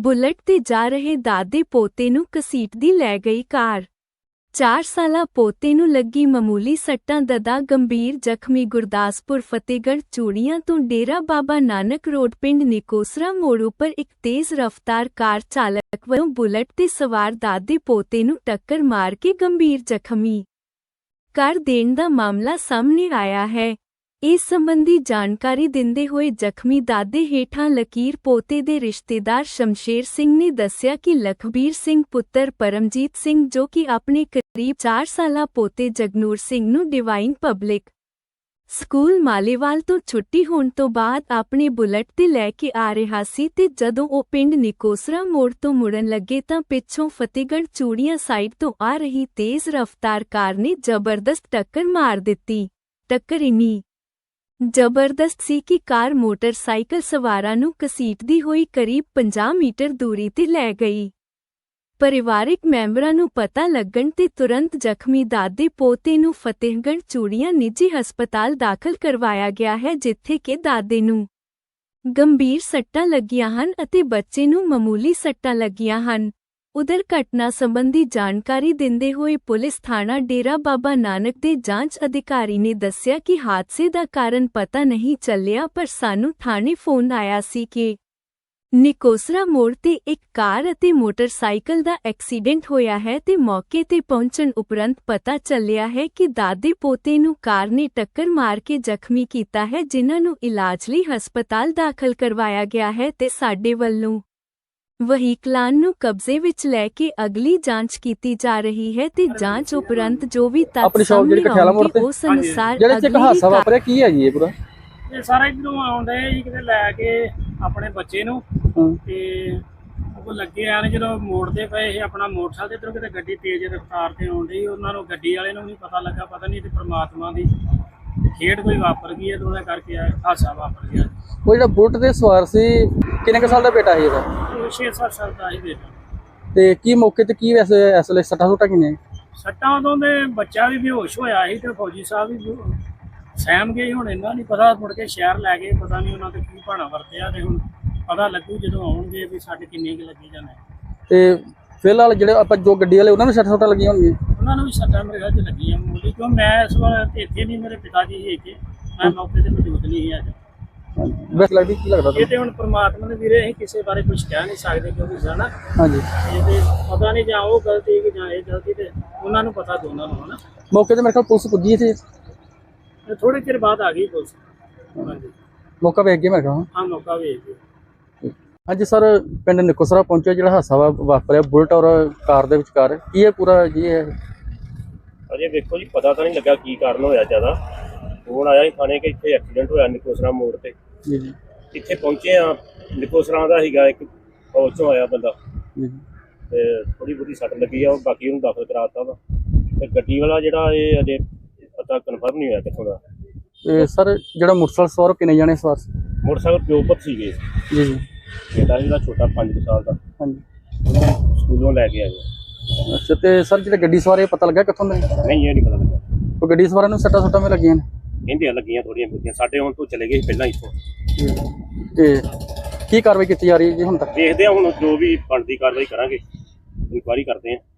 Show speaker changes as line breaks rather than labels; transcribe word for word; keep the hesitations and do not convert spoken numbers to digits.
Bullet ते जा रहे दादे पोते नूं घसीटदी लै गई कार। चार साला पोते नूं लगी मामूली सट्टां, ददा गंभीर ਜ਼ਖਮੀ। ਗੁਰਦਾਸਪੁਰ ਫਤਿਹਗੜ੍ਹ ਚੂੜੀਆਂ ਤੋਂ ਡੇਰਾ ਬਾਬਾ ਨਾਨਕ ਰੋਡ ਪਿੰਡ ਨਿਕੋਸਰਾ ਮੋੜ ਉੱਪਰ ਇੱਕ ਤੇਜ਼ ਰਫ਼ਤਾਰ ਕਾਰ ਚਾਲਕ ਵੱਲੋਂ ਬੁਲਟ ਤੇ ਸਵਾਰ ਦਾਦੇ ਪੋਤੇ ਨੂੰ ਟੱਕਰ ਮਾਰ ਕੇ ਗੰਭੀਰ ਜ਼ਖਮੀ ਕਰ ਦੇਣ ਦਾ ਮਾਮਲਾ ਸਾਹਮਣੇ ਆਇਆ ਹੈ। ਇਸ ਸੰਬੰਧੀ ਜਾਣਕਾਰੀ ਦਿੰਦੇ ਹੋਏ ਜ਼ਖਮੀ ਦਾਦੇ ਹੇਠਾਂ ਲਕੀਰ ਪੋਤੇ ਦੇ ਰਿਸ਼ਤੇਦਾਰ ਸ਼ਮਸ਼ੇਰ ਸਿੰਘ ਨੇ ਦੱਸਿਆ ਕਿ ਲਖਬੀਰ ਸਿੰਘ ਪੁੱਤਰ ਪਰਮਜੀਤ ਸਿੰਘ, ਜੋ ਕਿ ਆਪਣੇ ਕਰੀਬ ਚਾਰ ਸਾਲਾ ਪੋਤੇ ਜਗਨੂਰ ਸਿੰਘ ਨੂੰ ਡਿਵਾਈਨ ਪਬਲਿਕ ਸਕੂਲ ਮਾਲੇਵਾਲ ਤੋਂ ਛੁੱਟੀ ਹੋਣ ਤੋਂ ਬਾਅਦ ਆਪਣੇ ਬੁਲਟ ਤੇ ਲੈ ਕੇ ਆ ਰਿਹਾ ਸੀ ਤੇ ਜਦੋਂ ਉਹ ਪਿੰਡ ਨਿਕੋਸਰਾ ਮੋੜ ਤੋਂ ਮੁੜਨ ਲੱਗੇ ਤਾਂ ਪਿੱਛੋਂ ਫਤਿਹਗੜ੍ਹ ਚੂੜੀਆਂ ਸਾਈਡ ਤੋਂ ਆ ਰਹੀ ਤੇਜ਼ ਰਫ਼ਤਾਰ ਕਾਰ ਨੇ ਜ਼ਬਰਦਸਤ ਟੱਕਰ ਮਾਰ ਦਿੱਤੀ। ਟੱਕਰ ਇੰਨੀ ਜ਼ਬਰਦਸਤ ਸੀ ਕਿ ਕਾਰ ਮੋਟਰਸਾਈਕਲ ਸਵਾਰਾਂ ਨੂੰ ਘਸੀਟਦੀ ਹੋਈ ਕਰੀਬ ਪੰਜਾਹ ਮੀਟਰ ਦੂਰੀ ਤੇ ਲੈ ਗਈ। ਪਰਿਵਾਰਕ ਮੈਂਬਰਾਂ ਨੂੰ ਪਤਾ ਲੱਗਣ ਤੇ ਤੁਰੰਤ ਜ਼ਖਮੀ ਦਾਦੇ ਪੋਤੇ ਨੂੰ ਫਤਿਹਗੜ੍ਹ ਚੂੜੀਆਂ ਨਿੱਜੀ ਹਸਪਤਾਲ ਦਾਖਲ ਕਰਵਾਇਆ ਗਿਆ ਹੈ, ਜਿੱਥੇ ਕਿ ਦਾਦੇ ਨੂੰ ਗੰਭੀਰ ਸੱਟਾਂ ਲੱਗੀਆਂ ਹਨ ਅਤੇ ਬੱਚੇ ਨੂੰ ਮਾਮੂਲੀ ਸੱਟਾਂ ਲੱਗੀਆਂ ਹਨ। ਉਧਰ ਘਟਨਾ ਸੰਬੰਧੀ ਜਾਣਕਾਰੀ ਦਿੰਦੇ ਹੋਏ ਪੁਲਿਸ ਥਾਣਾ ਡੇਰਾ ਬਾਬਾ ਨਾਨਕ ਦੇ ਜਾਂਚ ਅਧਿਕਾਰੀ ਨੇ ਦੱਸਿਆ ਕਿ ਹਾਦਸੇ ਦਾ ਕਾਰਨ ਪਤਾ ਨਹੀਂ ਚੱਲਿਆ, ਪਰ ਸਾਨੂੰ ਥਾਣੇ ਫੋਨ ਆਇਆ ਸੀ ਕਿ ਨਿਕੋਸਰਾ ਮੋੜ ਤੇ ਇੱਕ ਕਾਰ ਅਤੇ ਮੋਟਰਸਾਈਕਲ ਦਾ ਐਕਸੀਡੈਂਟ ਹੋਇਆ ਹੈ ਤੇ ਮੌਕੇ ਤੇ ਪਹੁੰਚਣ ਉਪਰੰਤ ਪਤਾ ਚੱਲਿਆ ਹੈ ਕਿ ਦਾਦੇ ਪੋਤੇ ਨੂੰ ਕਾਰ ਨੇ ਟੱਕਰ ਮਾਰ ਕੇ ਜ਼ਖਮੀ ਕੀਤਾ ਹੈ, ਜਿਨ੍ਹਾਂ ਨੂੰ ਇਲਾਜ ਲਈ ਹਸਪਤਾਲ ਦਾਖਲ ਕਰਵਾਇਆ ਗਿਆ ਹੈ ਤੇ ਸਾਡੇ ਵੱਲੋਂ ਵਹੀਕਲਾਂ ਨੂੰ ਕਬਜ਼ੇ ਵਿੱਚ ਲੈ ਕੇ ਅਗਲੀ ਜਾਂਚ ਕੀਤੀ ਜਾ ਰਹੀ ਹੈ ਤੇ ਜਾਂਚ ਉਪਰੰਤ ਜੋ ਵੀ ਤੱਥ ਸਾਹਮਣੇ ਆਉਣਗੇ ਉਸ ਅਨੁਸਾਰ
ਜਿਹੜੇ ਚ ਹਾਦਸਾ ਵਾਪਰਿਆ ਕੀ ਹੈ ਜੀ ਇਹ ਪੂਰਾ?
ਇਹ ਸਾਰਾ ਇਧਰੋਂ ਆਉਂਦੇ ਜੀ ਕਿਤੇ ਲੈ ਕੇ ਆਪਣੇ ਬੱਚੇ ਨੂੰ ਤੇ ਉਹ ਲੱਗੇ ਆ ਨੇ ਜਦੋਂ ਮੋੜਦੇ ਪਏ ਇਹ ਆਪਣਾ ਮੋਟਰਸਾਈਕਲ ਇਧਰੋਂ ਕਿਤੇ ਗੱਡੀ ਤੇਜ਼ ਰਫ਼ਤਾਰ ਤੇ ਆਉਂਦੀ, ਉਹਨਾਂ ਨੂੰ ਗੱਡੀ ਵਾਲੇ ਨੂੰ ਨਹੀਂ ਪਤਾ ਲੱਗਾ, ਪਤਾ ਨਹੀਂ ਤੇ ਪਰਮਾਤਮਾ ਦੀ ਖੇਡ ਕੋਈ ਵਾਪਰ ਗਈ ਹੈ ਤੇ ਉਹਦੇ ਕਰਕੇ ਹਾਦਸਾ ਵਾਪਰ ਗਿਆ।
ਉਹ ਜਿਹੜਾ ਬੁਲਟ ਦੇ ਸਵਾਰ ਸੀ ਕਿੰਨੇ ਕੁ ਸਾਲ ਦਾ ਬੇਟਾ ਸੀ ਇਹਦਾ?
ਛੇ ਸੱਤ ਸਾਲ ਦਾ ਹੀ ਬੇਟਾ।
ਤੇ ਕੀ ਮੌਕੇ ਤੇ ਕੀ ਵੈਸੇ ਇਸ ਵੇਲੇ ਸੱਟਾਂ ਸੁੱਟਾਂ ਕਿੰਨੇ?
ਸੱਟਾਂ ਉਦੋਂ ਦੇ ਬੱਚਾ ਵੀ ਬੇਹੋਸ਼ ਹੋਇਆ ਸੀ ਤੇ ਫੌਜੀ ਸਾਹਿਬ ਵੀ ਸਹਿਮ ਗਏ। ਹੁਣ ਇਹਨਾਂ ਨਹੀਂ ਪਤਾ, ਮੁੜ ਕੇ ਸ਼ਹਿਰ ਲੈ ਗਏ, ਪਤਾ ਨਹੀਂ ਉਹਨਾਂ ਤੇ ਕੀ ਭਾਣਾ ਵਰਤਿਆ ਤੇ ਹੁਣ ਪਤਾ ਲੱਗੂ ਜਦੋਂ ਆਉਣਗੇ ਵੀ ਸਾਡੇ ਕਿੰਨੇ ਕੁ ਲੱਗੀ ਜਾਂਦੇ। ਤੇ
ਫਿਲਹਾਲ ਜਿਹੜੇ ਆਪਾਂ ਜੋ ਗੱਡੀ ਵਾਲੇ ਉਹਨਾਂ ਨੂੰ ਸੱਟਾਂ ਸੁੱਟਾਂ ਲੱਗੀਆਂ ਹੋਣਗੀਆਂ?
ਉਹਨਾਂ ਨੂੰ ਵੀ ਸੱਟਾਂ ਮੇਰੇ ਖਿਆਲ 'ਚ ਲੱਗੀਆਂ ਮੂਲੀ, ਕਿਉਂ ਮੈਂ ਇਸ ਵਾਰ ਇੱਥੇ ਨਹੀਂ, ਮੇਰੇ ਪਿਤਾ ਜੀ ਸੀ ਇੱਥੇ, ਮੈਂ ਮੌਕੇ ਤੇ ਮੌਜੂਦ ਨਹੀਂ ਸੀ ਅੱਜ।
ਵੈਸੇ ਲੱਗਦੀ ਕੀ ਲੱਗਦਾ
ਇਹ ਤੇ ਹੁਣ ਪਰਮਾਤਮਾ ਦੇ ਵੀਰੇ ਅਸੀਂ ਕਿਸੇ ਬਾਰੇ ਕੁਝ ਕਹਿ ਨਹੀਂ ਸਕਦੇ ਕਿਉਂਕਿ ਜਾਣਾ
ਹਾਂਜੀ
ਇਹ ਤੇ ਪਤਾ ਨਹੀਂ ਜਾਂ ਉਹ ਗਲਤੀ ਕਿ ਜਾਂ ਇਹ ਗਲਤੀ, ਤੇ ਉਹਨਾਂ ਨੂੰ ਪਤਾ ਦੋਨਾਂ ਨੂੰ ਹਨਾ।
ਮੌਕੇ ਤੇ ਮੇਰੇ ਖਿਆਲ ਪੁਲਿਸ ਪੁੱਜੀ ਸੀ
ਥੋੜੇ ਚਿਰ ਬਾਅਦ ਆ ਗਈ ਪੁਲਿਸ। ਹਾਂਜੀ
ਮੌਕਾ ਵੇਖ ਗਿਆ ਮੇਰੇ ਖਿਆਲ।
ਹਾਂ ਮੌਕਾ ਵੇਖ ਗਿਆ।
ਹਾਂਜੀ ਸਰ, ਪਿੰਡ ਨਿਕੋਸਰਾ ਪਹੁੰਚਿਆ, ਜਿਹੜਾ ਹਾਦਸਾ ਵਾਪਰਿਆ ਬੁਲਟ ਔਰ ਕਾਰ ਦੇ ਵਿਚਕਾਰ, ਕੀ ਹੈ ਪੂਰਾ ਜੀ? ਇਹ
ਅਜੇ ਵੇਖੋ ਜੀ, ਪਤਾ ਤਾਂ ਨਹੀਂ ਲੱਗਾ ਕੀ ਕਾਰਨ ਹੋਇਆ। ਜ਼ਿਆਦਾ ਫੋਨ ਆਇਆ ਸੀ ਥਾਣੇ ਕਿ ਇੱਥੇ ਐਕਸੀਡੈਂਟ ਹੋਇਆ ਨਿਕੋਸਰਾ ਮੋੜ ਤੇ।
ਜੀ ਜੀ
ਇੱਥੇ ਪਹੁੰਚੇ ਆ, ਨਿਕੋਸਰਾ ਦਾ ਸੀਗਾ ਇੱਕ ਫੌਜ ਚੋਂ ਆਇਆ ਬੰਦਾ ਤੇ ਥੋੜੀ ਬਹੁਤੀ ਸੱਟ ਲੱਗੀ ਆ, ਉਹ ਬਾਕੀ ਉਹਨੂੰ ਦਾਖਲ ਕਰਾਤਾ ਵਾ। ਤੇ ਗੱਡੀ ਵਾਲਾ ਜਿਹੜਾ ਇਹ ਅਜੇ ਪਤਾ ਕਨਫਰਮ ਨਹੀਂ ਹੋਇਆ ਕਿੱਥੋਂ ਦਾ।
ਤੇ ਸਰ ਜਿਹੜਾ ਮੋਟਰਸਾਈਕਲ ਸਵਾਰ ਕਿੰਨੇ ਜਾਣੇ ਸਵਾਰ ਸੀ?
ਮੋਟਰਸਾਈਕਲ ਪਿਓ ਪੁੱਤ ਸੀਗੇ
ਜੀ ਜੀ।
ਬੇਟਾ ਜਿਹੜਾ ਛੋਟਾ ਪੰਜ ਕੁ ਸਾਲ ਦਾ,
ਹਾਂਜੀ,
ਉਹਨੂੰ ਸਕੂਲੋਂ ਲੈ ਕੇ ਆਏ।
ਅੱਛਾ, ਤੇ ਸਰ ਜਿਹੜੇ ਗੱਡੀ ਸਵਾਰ ਇਹ ਪਤਾ ਲੱਗਾ ਕਿੱਥੋਂ ਦੇ?
ਨਹੀਂ ਇਹ ਨਹੀਂ ਪਤਾ ਲੱਗਾ।
ਉਹ ਗੱਡੀ ਸਵਾਰਾਂ ਨੂੰ ਸੱਟਾਂ ਸੁੱਟਾਂ ਵੀ ਲੱਗੀਆਂ ਨੇ?
ਕਹਿੰਦੇ ਲੱਗੀਆਂ ਥੋੜੀਆਂ ਬਹੁਤੀਆਂ, ਸਾਡੇ ਹੁਣ ਤੋਂ ਚਲੇ ਗਏ ਪਹਿਲਾਂ ਇੱਥੋਂ।
ਤੇ ਕੀ ਕਾਰਵਾਈ ਕੀਤੀ ਜਾ ਰਹੀ ਹੈ ਜੀ ਹੁਣ ਤੱਕ?
ਦੇਖਦੇ ਹਾਂ ਹੁਣ ਜੋ ਵੀ ਬਣਦੀ ਕਾਰਵਾਈ ਕਰਾਂਗੇ, ਇਨਕੁਆਇਰੀ ਕਰਦੇ ਹਾਂ।